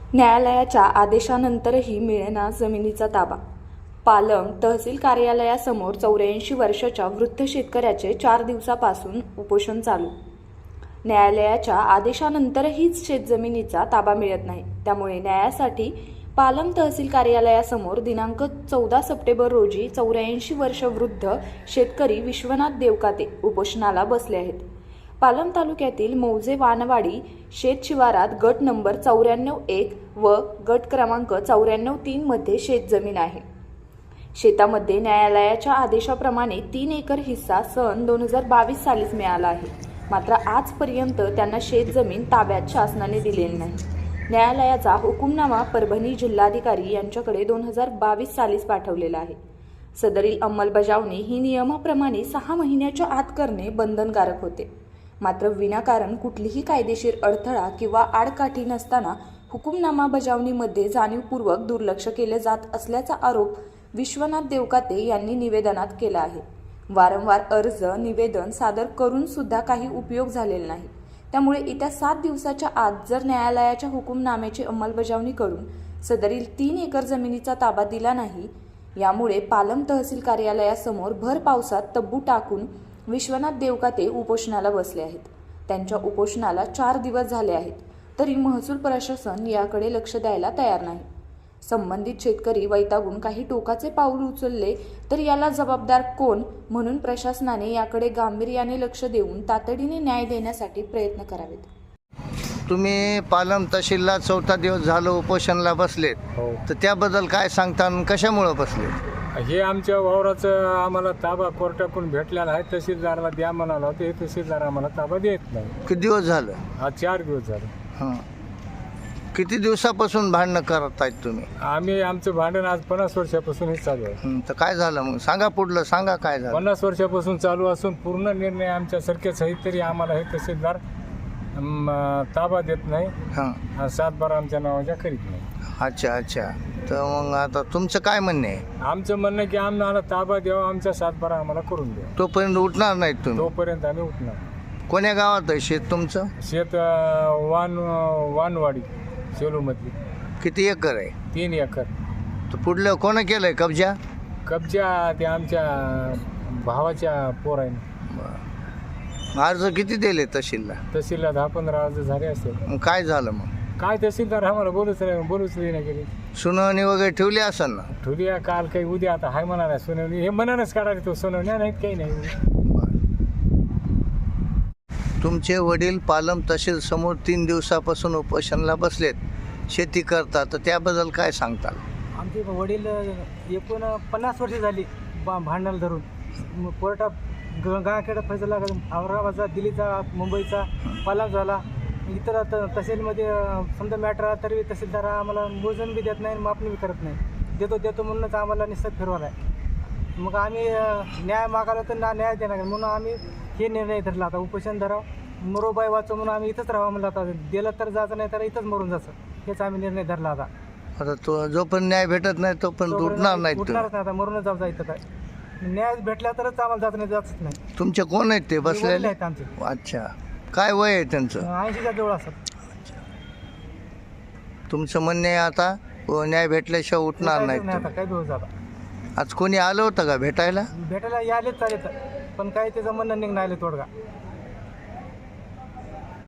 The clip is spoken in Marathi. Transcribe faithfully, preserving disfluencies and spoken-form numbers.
न्यायालयाच्या आदेशानंतरही मिळेना जमिनीचा ताबा. पालम तहसील कार्यालयासमोर चौऱ्याऐंशी वर्षाच्या वृद्ध शेतकऱ्याचे चार दिवसापासून उपोषण चालू. न्यायालयाच्या आदेशानंतरहीच शेतजमिनीचा ताबा मिळत नाही. त्यामुळे न्यायासाठी पालम तहसील कार्यालयासमोर दिनांक चौदा सप्टेंबर रोजी चौऱ्याऐंशी वर्ष वृद्ध शेतकरी विश्वनाथ देवकाते उपोषणाला बसले आहेत. पालम तालुक्यातील मौजे वानवाडी शेत शिवारात गट नंबर चौऱ्याण्णव एक व गट क्रमांक चौऱ्याण्णव तीन मध्ये शेतजमीन आहे. शेतामध्ये न्यायालयाच्या आदेशाप्रमाणे तीन एकर हिस्सा सन दोन हजार बावीस सालीच मिळाला आहे. मात्र आजपर्यंत त्यांना शेतजमीन ताब्यात शासनाने दिलेली नाही. न्यायालयाचा हुकुमनामा परभणी जिल्हाधिकारी यांच्याकडे दोन हजार बावीस सालीच पाठवलेला आहे. सदरील अंमलबजावणी ही नियमाप्रमाणे सहा महिन्याच्या आत करणे बंधनकारक होते. मात्र विनाकारण कुठलीही कायदेशीर अडथळा किंवा आडकाठी नसताना हुकुमनामा बजावणीमध्ये जाणीवपूर्वक दुर्लक्ष केले जात असल्याचा आरोप विश्वनाथ देवकाते यांनी निवेदनात केला आहे. वारंवार अर्ज निवेदन सादर करून सुद्धा काही उपयोग झालेला नाही. त्यामुळे येत्या सात दिवसाच्या आत जर न्यायालयाच्या हुकुमनाम्याची अंमलबजावणी करून सदरील तीन एकर जमिनीचा ताबा दिला नाही, यामुळे पालम तहसील कार्यालयासमोर भर पावसात तब्बू टाकून विश्वनाथ देवकाते उपोषणाला बसले आहेत. त्यांच्या उपोषणाला चार दिवस झाले आहेत, तरी महसूल प्रशासन याकडे लक्ष द्यायला तयार नाही. संबंधित शेतकरी वैतागून काही टोकाचे पाऊल उचलले तर याला जबाबदार कोण, म्हणून प्रशासनाने याकडे गांभीर्याने लक्ष देऊन तातडीने न्याय देण्यासाठी प्रयत्न करावेत. तुम्ही पालम तहसीलला चौथा दिवस झालं उपोषणाला बसलेत, हो. तर त्याबद्दल काय सांगता आणि कशामुळं बसले? हे आमच्या वावराचं आम्हाला ताबा कोर्टाकडून भेटलेला आहे. तहसीलदाराला द्या म्हणाला होतं, हे तहसीलदार आम्हाला ताबा देत नाही. किती दिवस झालं? हा चार दिवस झाले. हां, किती दिवसापासून भांडणं करत आहेत तुम्ही? आम्ही आमचं भांडण आज पन्नास वर्षापासून हे चालू आहे. हं, तर काय झालं मग? सांगा, पुढलं सांगा काय झालं. पन्नास वर्षापासून चालू असून पूर्ण निर्णय आमच्या सारखेच आहेत, तरी आम्हाला हे तहसीलदार अम, ताबा देत नाही. हां, सातबारा आमच्या नावाच्या करीत नाही. अच्छा अच्छा. तर मग आता तुमचं काय म्हणणे आहे? आमचं म्हणणं की आम्हाला ताबा द्यावा, आमचा सातबारा आम्हाला करून द्या. तोपर्यंत उठणार नाहीत तुम्ही? तोपर्यंत आम्ही उठणार. कोण्या गावात आहे शेत तुमचं? शेत अं, वान वानवाडी सेलूमधली किती एकर आहे? तीन एकर. तर पुढलं कोणं केलंय कब्जा? कब्जा ते आमच्या भावाच्या पोराने. अर्ज किती दिले तहसीलला? तहसीलला दहा पंधरा अर्ज झाले असेल. मग काय झालं मग? काय तहसीलदार आम्हाला बोलूच नाही बोलूच नाही गेली. सुनावणी वगैरे ठेवली असेल ना? ठुलिया काल काही उद्या आता हाय म्हणाला सुनावणी. हे मनानच काढायला तो सुनावण्या नाहीत काही नाही. तुमचे वडील पालम तहसील समोर तीन दिवसापासून उपोषणाला बसलेत, शेती करतात, तर त्याबद्दल काय सांगताल? आमचे वडील एकूण पन्नास वर्षे झाली बा भांडणाला धरून. कोर्टात ग गावाखेडा फैसला औरंगाबादचा, दिल्लीचा, मुंबईचा पालम झाला. इतर त तहसीलमध्ये समजा मॅटर आला तरी तहसीलदार आम्हाला मोजून बी देत नाही, मापणी बी करत नाही. देतो देतो म्हणूनच आम्हाला निसत फिरवाला आहे. मग आम्ही न्याय मागायला तर ना न्याय देणार म्हणून आम्ही हे निर्णय धरला. आता उपोषण धरावं, मरोबाई वाचो म्हणून आम्ही इथंच राहावं म्हणलं. आता दिलं तर जायचं, नाही तर इथंच मरून जायचं, हेच आम्ही निर्णय धरला. आता आता तो जोपर्यंत न्याय भेटत नाही तोपर्यंत उठणार नाही. उठणारच नाही, आता मरूनच जाऊ जायचं. काय न्याय भेटला तरच आम्हाला जात नाही, जातच नाही. तुमचे कोण आहेत ते बसलेले? आहेत आमचे. अच्छा, काय वय आहे त्यांचं? ऐंशीच्या जवळ असतात. तुमचं म्हणणे आहे आता न्याय भेटल्याशिवाय उठणार नाही नाही. आता काही दिवस झाला. आज कोणी आलं होतं का भेटायला? भेटायला यायलेच चालेल, पण काही त्याचं म्हणणं निघून आले तोडगा.